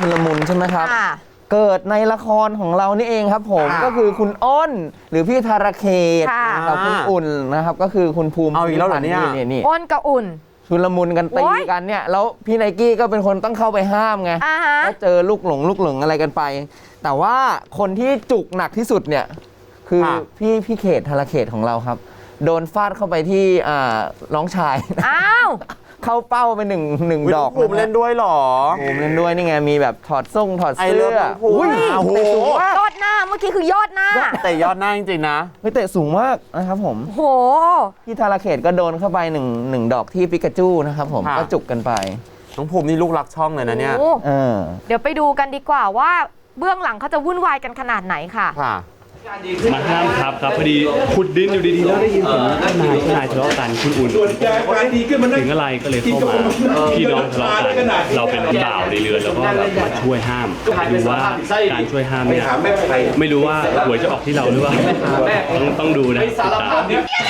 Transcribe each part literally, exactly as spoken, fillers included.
ชุลมุนใช่ไหมครับเกิดในละครของเรานี่เองครับผมก็คือคุณอ้นหรือพี่ธารเขตกับคุณอุ่นนะครับก็คือคุณภูมิเอาอีกแล้วเหรอเนี่ยนี่อ้นกับอุ่นชุลมุนกันตีกันเนี่ยแล้วพี่ไนกี้ก็เป็นคนต้องเข้าไปห้ามไงก็เจอลูกหลงลูกหลงอะไรกันไปแต่ว่าคนที่จุกหนักที่สุดเนี่ยคือพี่พี่เขตธารเขตของเราครับโดนฟาดเข้าไปที่น้องชายอ้าวเข้าเป้าไปหนึ่งหนึ่งดอกภูมิเล่นด้วยหรอภูมิเล่นด้วยนี่ไงมีแบบถอดส่งถอดเสื้ออุ้ยโอ้โหยอดหน้าเมื่อกี้คือยอดหน้าแต่ยอดหน้าจริงๆนะไม่เตะสูงมากนะครับผมโหพี่ธารเขตก็โดนเข้าไปหนึ่งหนึ่งดอกที่ปิกาจูนะครับผมก็จุกกันไปน้องภูมินี่ลูกรักช่องเลยนะเนี่ยเดี๋ยวไปดูกันดีกว่าว่าเบื้องหลังเขาจะวุ่นวายกันขนาดไหนค่ะมาห้ามครับครับพอดีขุดดินอยู่ดีๆแล้วได้ยินเสียงนายนายทะเลาะกันคุณอุ่นถึงอะไรก็เลยเข้ามาพี่น้องทะเลาะกันเราเป็นบ่าวในเรือนแล้วก็มาช่วยห้ามดูว่าการช่วยห้ามเนี่ยไม่รู้ว่าหวยจะออกที่เราหรือเปล่าต้องต้องดูนะติดตาม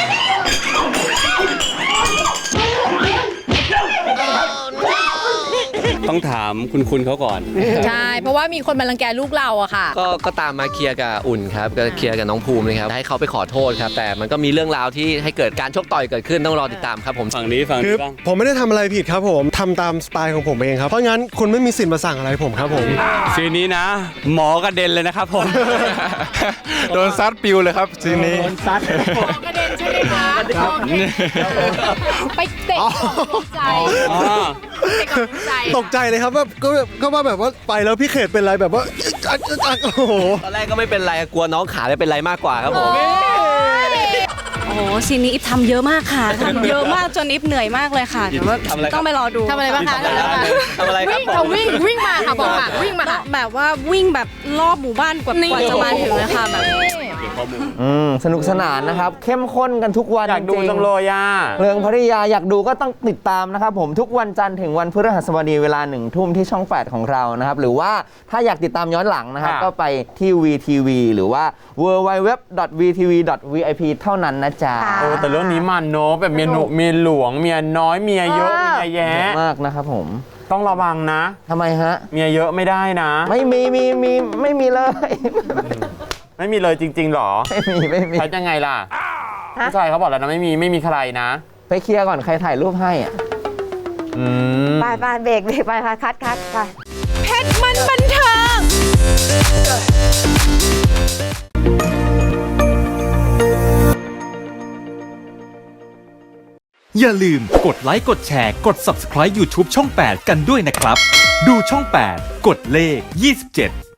ต้องถามคุณคุณเขาก่อนใช่เพราะว่ามีคนมารังแกลูกเราอะค่ะก็ก็ตามมาเคลียร์กับอุ่นครับก็เคลียร์กับน้องภูมิเลยครับให้เขาไปขอโทษครับแต่มันก็มีเรื่องราวที่ให้เกิดการชกต่อยเกิดขึ้นต้องรอติดตามครับผมฝั่งนี้ฝั่งนี้บ้างผมไม่ได้ทำอะไรผิดครับผมทำตามสไตล์ของผมเองครับเพราะงั้นคุณไม่มีสิทธิ์มาสั่งอะไรผมครับผมซีนนี้นะหมอกระเด็นเลยนะครับผมโดนซัดปิวเลยครับซีนนี้โดนซัดหมอกระเด็นใช่ไหมคะไปเตะตกใจตกใจเลยครับแบบก็ก็ว่าแบบว่าไปแล้วพี่เขตเป็นไรแบบว่าโอ้โหตอนแรกก็ไม่เป็นไรกลัวน้องขาไม่เป็นไรมากกว่าครับผมโอ้โหซีนนี้อิฟทำเยอะมากค่ะทำเยอะมากจนอิฟเหนื่อยมากเลยค่ะแต่ว่าต้องไปรอดูทำอะไรบ้างคะทำอะไรครับเขาวิ่งวิ่งมาค่ะบอกค่ะวิ่งมาแบบว่าวิ่งแบบรอบหมู่บ้านกว่าจะมาถึงนะคะแบบสนุกสนานนะครับเข้มข้นกันทุกวันอยากดูจังเลยอ่ะเรื่องพัทยาอยากดูก็ต้องติดตามนะครับผมทุกวันจันทร์ถึงวันพฤหัสบดีเวลาหนึ่งทุ่มที่ช่องแปดของเรานะครับหรือว่าถ้าอยากติดตามย้อนหลังนะครับก็ไปที่ วี ที วี หรือว่า ดับเบิลยู ดับเบิลยู ดับเบิลยู ดอท วี ที วี ดอท วี ไอ พี เท่านั้นนะจ๊ะโอ้แต่เรื่องนี้มันเนอะแบบเมียหนุเมียหลวงเมียน้อยเมียเยอะเมียแย่มากนะครับผมต้องระวังนะทำไมฮะเมียเยอะไม่ได้นะไม่มีมีมีไม่มีเลยไม่มีเลยจริงๆหรอไม่มีไม่มีใช้ยังไงล่ะผู้ชายเขาบอกแล้วนะไม่มีไม่มีใครนะไปเคลียร์ก่อนใครถ่ายรูปให้อ่ะไปไปเบรกเบรกไปคัดคัดคัดไปเพชรมันบันเทิงอย่าลืมกดไลค์กดแชร์กด ซับสไครบ์ ยูทูบ ช่องแปดกันด้วยนะครับดูช่องแปดกดเลขยี่สิบเจ็ด